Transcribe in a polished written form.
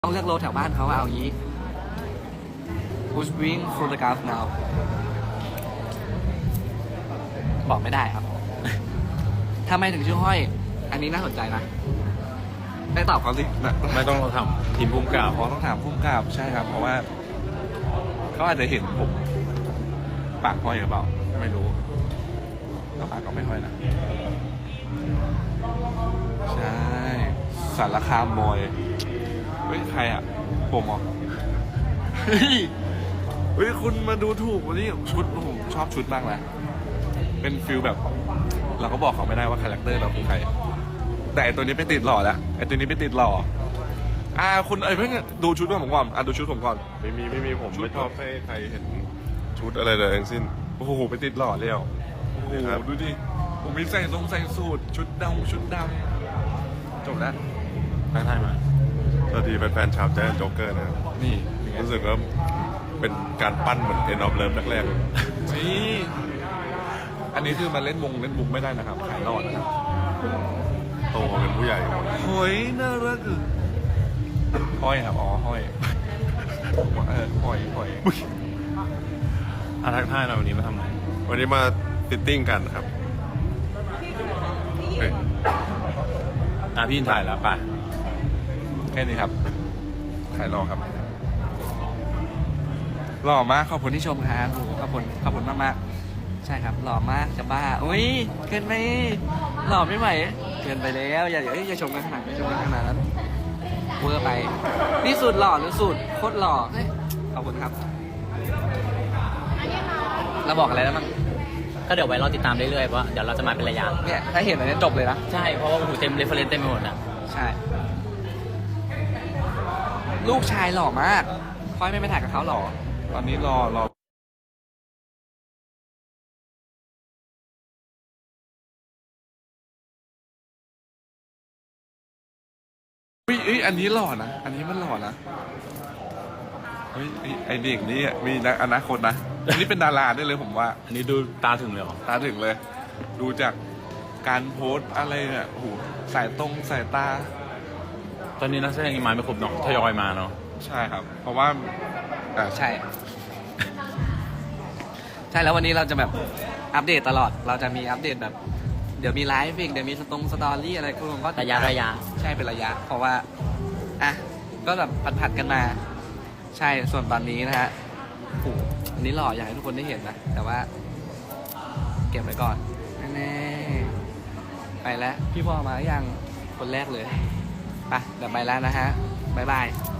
ต้องเลือกโลแถวบ้านเขาเอางี้ Who's being photographed now บอกไม่ได้ครับ ทำไมถึงชื่อห้อย อันนี้น่าสนใจนะได้ตอบเขาสิไม่ต้องเราทำทีมพุ่มกล่าวเพราะต้องถามผู้กำกับใช่ครับ เพราะว่าเขาอาจจะเห็นผมปากห้อยหรือเปล่าไม่รู้แต่ปากก็ไม่ห้อยนะใช่สารคามบอยเฮ้ยใครอ่ะผมเหรอเฮ้ยคุณมาดูถูกวันนี้ชุดผมชอบชุดมากนะเป็นฟิลแบบ เราก็บอกเขาไม่ได้ว่าคาแรคเตอร์เราคือใครแต่ไอตัวนี้ไปติดหล่อแล้วไอตัวนี้ไปติดหล่อคุณเพิ่งดูชุดผมก่อนดูชุดผมก่อนไม่มีผมไม่ชอบให้ใครเห็นชุดอะไรเลยทั้งสิ้นโอ้โหไปติดหล่อแล้วโอ้โหครับดูดิผมมีใส่สูทชุดดำจบแล้วทักทายมาสวัสดีแฟนๆชาวแจ๊สโจ๊กเกอร์นะครับนี่รู้สึกว่าเป็นการปั้นเหมือนเอ็นออฟเลิฟแรกนี่อันนี้คือมาเล่นมุกไม่ได้นะครับขายหลอดนะครับๆโตมาเป็นผู้ใหญ่เฮ้ยน่ารักอ่ะห้อยครับอ๋อห้อยห้อยทักทายเราวันนี้มาทำอะไรวันนี้มาฟิตติ้งกันครับเฮ้ยพี่ถ่ายแล้วป่ะแค่นี้ครับขายหล่อครับหล่อมากขอบคุณที่ชมครับโอ้โหขอบคุณมากๆใช่ครับหล่อมากจะบ้าอุ้ยเกินไปหล่อไม่ไหวเกินไปแล้วอย่าชมกันขนาดนั้นเวอร์ไปนี่สูตรหล่อหรือสูตรโคตรหล่อเฮ้ยขอบคุณครับเราบอกอะไรแล้วมั้งก็เดี๋ยวไว้รอติดตามเรื่อยๆเพราะเดี๋ยวเราจะมาเป็นระยะเนี่ยถ้าเห็นอันนี้จบเลยนะใช่ เพราะว่าหูเต็มเรฟเฟรนซ์เต็มไปหมดอ่ะใช่ ลูกชายหล่อมากค่อยไม่ไปถ่ายกับเขาหล่อตอนนี้รออันนี้หล่อนะอันนี้มันหล่อนะเฮ้ยไอเด็กนี่มีอนาคตนะอันนี้เป็นดาราได้เลยผมว่าอันนี้ดูตาถึงเลยเหรอตาถึงเลย ดูจากการโพสต์อะไรเนี่ยโอ้โหสายตาตอนนี้นักแสดงยังมาไม่ครบเนาะทยอยมาเนาะใช่ครับ เพราะว่าใช่ ใช่แล้ววันนี้เราจะแบบอัปเดตตลอดเราจะมีอัปเดตแบบเดี๋ยวมีไลฟ์อีกเดี๋ยวมีสตอรี่อะไรก็ระยะใช่เป็นระยะ เพราะว่าอ่ะก็แบบผัดกันมา ใช่ส่วนตอนนี้นะฮะโอ้โหอันนี้หล่ออยากให้ทุกคนได้เห็นนะแต่ว่า เก็บไว้ก่อนแน่ๆไปแล้วพี่พ่อมายังคนแรกเลยไปเดี๋ยวไปแล้วนะฮะบ๊ายบาย